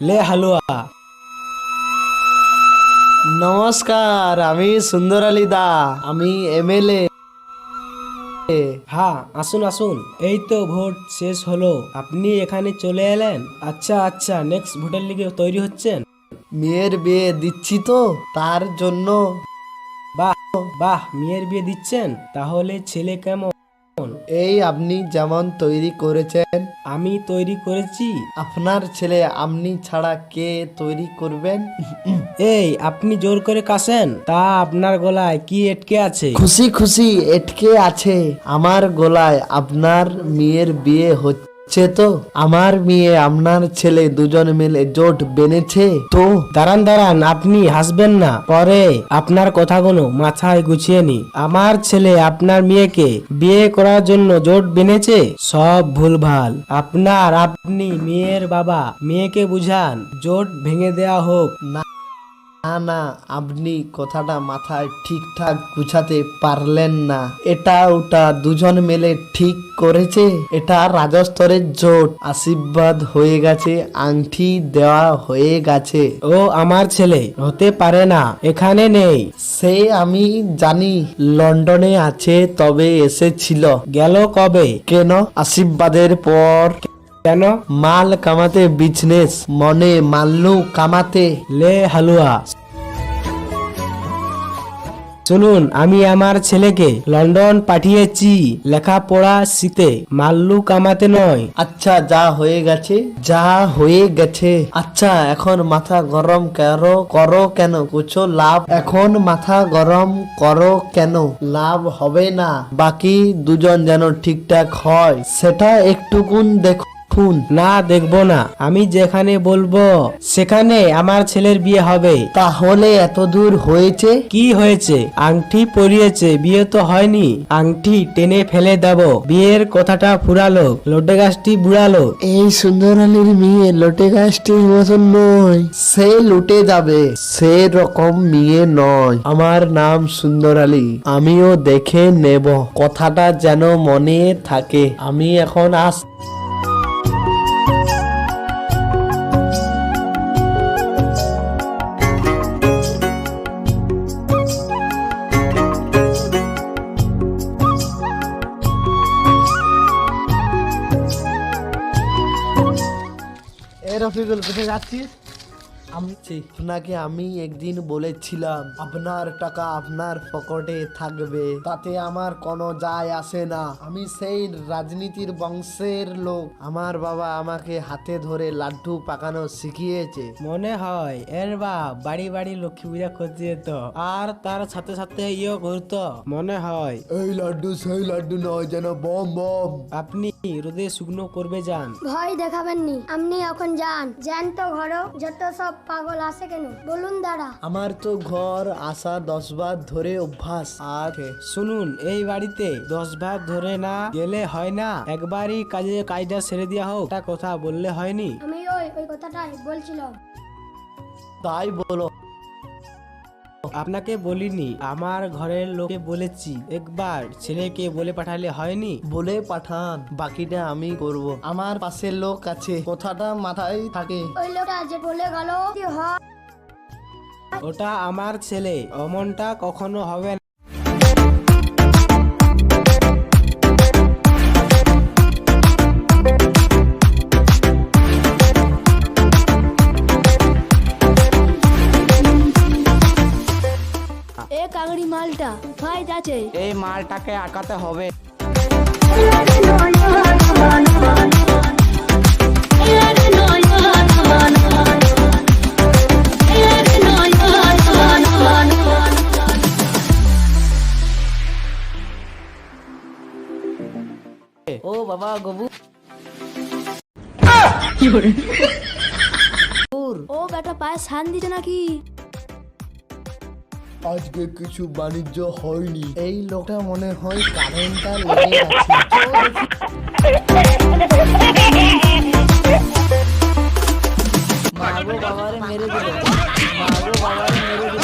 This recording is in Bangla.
লে হালুয়া। নমস্কার, আমি সুন্দর আলী দা, আমি এমএলএ। হ্যাঁ, আসুন আসুন। এই তো ভোট শেষ হলো, আপনি এখানে চলে এলেন। আচ্ছা আচ্ছা, নেক্সট ভোটের লিগে তৈরি হচ্ছেন? মেয়ের বিয়ে দিচ্ছি তো, তার জন্য। বাহ বাহ, মেয়ের বিয়ে দিচ্ছেন? তাহলে ছেলে কেমন? এই আপনি যেমন তৈরি করেছেন। আমি তৈরি করেছি। আপনার ছেলে আপনি ছাড়া কে তৈরি করবেন? এই, আপনি জোর করে কাশেন, তা আপনার গলায় কি এটকে আছে? খুশি খুশি এটকে আছে আমার গলায়। আপনার মেয়ের বিয়ে হচ্ছে তো, আমার মেয়ে আপনার ছেলে দুজন মিলে জোট বেঁধেছে তো। দাঁড়ান দাঁড়ান, আপনি হাসবেন না, পরে আপনার কথাগুলো মাথায় গুছিয়ে নি। আমার ছেলে আপনার মেয়েকে বিয়ে করার জন্য জোট বেঁধেছে, সব ভুলভাল। আপনি মেয়ের বাবা, মেয়েকে বুঝান, জোট ভেঙে দেয়া হোক। না না না, আপনি কথাটা মাথায় ঠিকঠাক গুছাতে পারলেন না। এটা ওটা দুজন মিলে ঠিক করেছে। এটা রাজস্তরের জোট, আশীর্বাদ হয়ে গেছে, আংটি দেওয়া হয়ে গেছে। ও আমার ছেলে হতে পারে না, এখানে নেই। সে আমি জানি, লন্ডনে আছে, তবে এসেছিল। গেল কবে? কেন? আশীর্বাদের পর। কেন? মাল কামাতে, বিজনেস মনে মাল্লু কামাতে। লে হালুয়া। শুনুন, আমি আমার ছেলেকে লন্ডন পাঠিয়েছি লেখাপড়া শিখতে, মাল্লু কামাতে নয়। আচ্ছা, যা হয়ে গেছে যা হয়ে গেছে। আচ্ছা, এখন মাথা গরম করো কেন? কুছো লাভ? এখন মাথা গরম করো কেন? লাভ হবে না। বাকি দুজন যেন ঠিকঠাক হয়, সেটা একটুকুন দেখুন। না, দেখবো না। আমি যেখানে বলবো সেখানে আমার ছেলের বিয়ে হবে। তাহলে এত দূর হয়েছে? কি হয়েছে? আংটি পরিয়েছে, বিয়ে তো হয়নি। আংটি টেনে ফেলে দেব, বিয়ের কথাটা ফুরালো, লোটে গাছটি বুড়ালো। এই সুন্দর আলীর মেয়ে লোটে গাছটির মতন নয়, সে লুটে যাবে। সে রকম মেয়ে নয়। আমার নাম সুন্দর আলী, আমিও দেখে নেব, কথাটা যেন মনে থাকে। আমি এখন রফিকুল, কোথায় যাচ্ছিস? আপনাকে আমি একদিন বলেছিলাম আপনার টাকা আপনার পকেটে থাকবে, তাতে আমার কোনো যায় আসে না। আমি সেই রাজনীতির বংশের লোক। আমার বাবা আমাকে হাতে ধরে লাড্ডু পাকানো শিখিয়েছে। মনে হয় এর বাপ বাড়ি বাড়ি লক্ষ্মী পূজা করতে যেত, আর তার সাথে সাথে ইয়ে করতো। মনে হয় এই লাড্ডু সেই লাড্ডু নয়, যেন বম বম। আপনি রোদে শুকনো করবে যান। ভয় দেখাবেননি, আপনি এখন যান। যান তো ঘরও, যত সব পাগল আসে কেন বলুন দাঁড়া। আমার তো ঘর আসা 10 বার ধরে অভ্যাস আছে। শুনুন, এই বাড়িতে 10 বার ধরে না গেলে হয় না, একবারই কাজটা সেরে দেওয়া হোক, একটা কথা বললে হয়নি? আমি ওই কথাটাই বলছিলাম। তাই বলো। আপনাকে বলিনি, আমার ঘরের লোকে বলেছি, একবার ছেলেকে বলে পাঠালে হয়নি? বলে পাঠান, বাকিটা আমি করব। আমার পাশের লোক আছে, কথাটা মাথায় থাকে। ওই লোকটা যে বলে গেল কি হয়? ওটা আমার ছেলে, অমনটা কখনো হবে না। এ কাগড়ি মালটা কোথায় যাচ্ছে? এই মালটাকে আটকাতে হবে। ও বাবা গবু, ও বেটা পায়ে শান দিতে নাকি? আজকে কিছু বাণিজ্য হয়নি। এই লোকটা মনে হয় কারেন্টটা লেগে আছে। মাগো বাবারে মেরে দিল, মাগো বাবারে মেরে